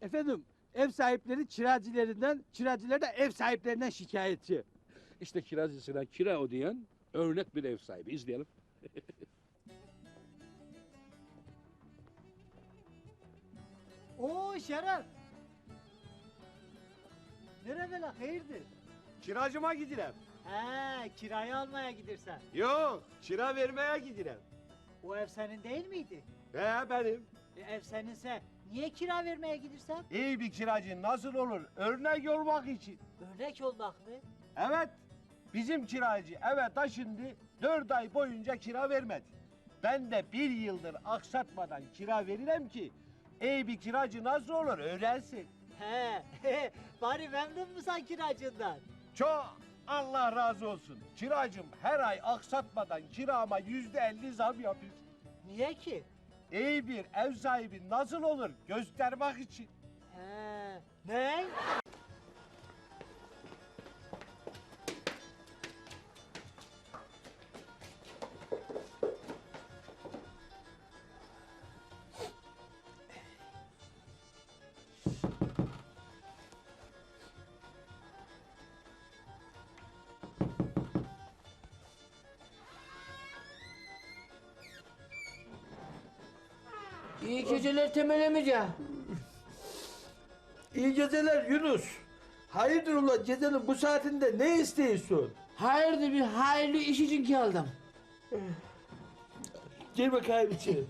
Efendim ev sahipleri kiracılarından, kiracılar da ev sahiplerinden şikayetçi. İşte kiracısına kira ödeyen örnek bir ev sahibi. İzleyelim. Oo Şeref. Nerede la hayırdır? Kiracıma gidirem. He kirayı almaya gidersen. Yok, kira vermeye gidirem. O ev senin değil miydi? He benim. Ev seninse niye kira vermeye gidersen? İyi bir kiracı nasıl olur? Örnek olmak için. Örnek olmak mı? Evet, bizim kiracı eve taşındı, 4 ay boyunca kira vermedi. Ben de 1 yıldır aksatmadan kira veririm ki, iyi bir kiracı nasıl olur öğrensin. He bari memnun musun kiracından? Çok Allah razı olsun. Kiracım her ay aksatmadan kirama %50 zam yapıyor. Niye ki? İyi bir ev sahibi nasıl olur göstermek için. He ne? İyi geceler Temel emice. İyi geceler Yunus. Hayırdır ulan gecenin bu saatinde ne istiyorsun? Hayırdır bir hayırlı iş için geldim. Gel bakayım içeri.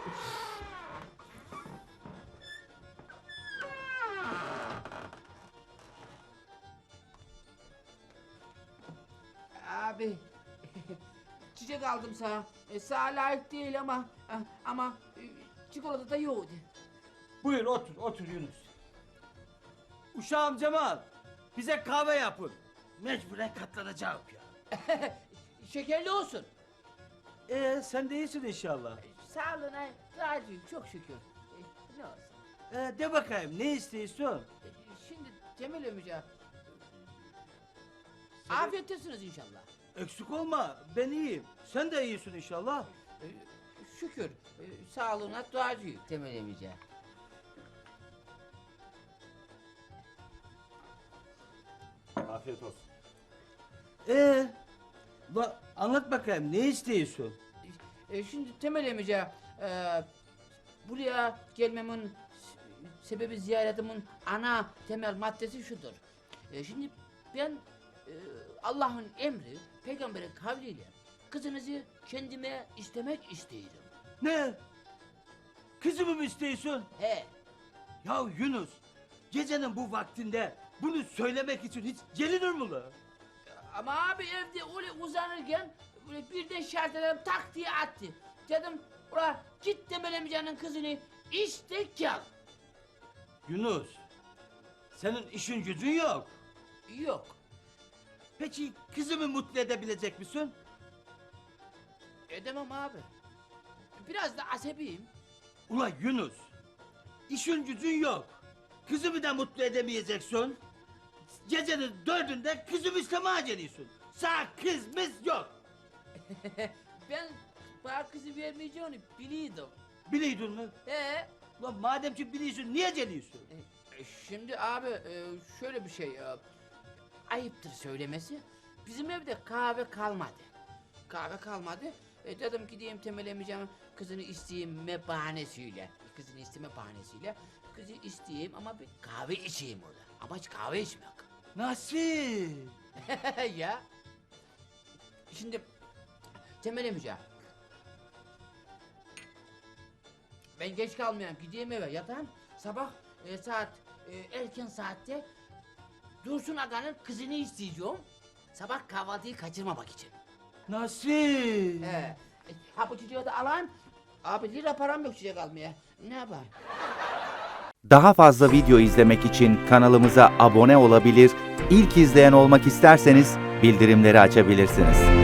Abi çiçek aldım sana. Sana layık değil ama çikolata da yoğdu. Buyur otur Yunus. Uşağım Cemal, bize kahve yapın. Mecburen katlanacağım ya. Şekerli olsun. Sen de iyisin inşallah. Sağlığına razıyım çok şükür. Ne olsun. De bakayım ne istiyorsun? Şimdi Temel emice. Afiyet olsunuz inşallah. Eksik olma, ben iyiyim. Sen de iyisin inşallah. Şükür. Sağlığına duacıyım Temel emice. Afiyet olsun. Anlat bakayım ne istiyorsun? Şimdi Temel emice, buraya gelmemin sebebi ziyaretimin ana temel maddesi şudur. Şimdi ben Allah'ın emri, peygamberin kavliyle kızınızı kendime istemek istiyorum. Ne? Kızımı mı istiyorsun? He, Ya Yunus, gecenin bu vaktinde bunu söylemek için hiç gelinir mi la? ama abi evde öyle uzanırken böyle birden şartelerimi tak diye attı. Dedim, ula git Temel emicenin kızını iste gel. Yunus, senin işin gücün yok. Yok. Peki kızımı mutlu edebilecek misin? Edemem abi. Biraz da asabiyim. Ula Yunus, işin gücün yok. Kızımı da mutlu edemeyeceksin. Gecenin 4'ünde kızımı istemeye geliyorsun. Sağ kızımız yok. Ben bana kızı vermeyeceğini biliyordum. Biliyordun mu? Ee, Ulan madem ki biliyorsun niye geliyorsun? Şimdi abi şöyle bir şey. Ayıptır söylemesi. Bizim evde kahve kalmadı. Kahve kalmadı. Dedim gideyim Temel emicem kızını isteyeyim bahanesiyle. Kızını isteme bahanesiyle. Kızı isteyeyim ama bir kahve içeyim orada. Ama hiç kahve içmek. Nasıl? Ya. Şimdi Temel emice. Ben geç kalmayayım gideyim eve yatağım. Sabah saat erken saatte Dursun Aga'nın kızını isteyeceğim. Sabah kahvaltıyı kaçırmamak için. Nasıl? Ha bu çocuğu da alan. Abi lira param yok çiçek almaya. Ne yapayım? Daha fazla video izlemek için kanalımıza abone olabilir, ilk izleyen olmak isterseniz bildirimleri açabilirsiniz.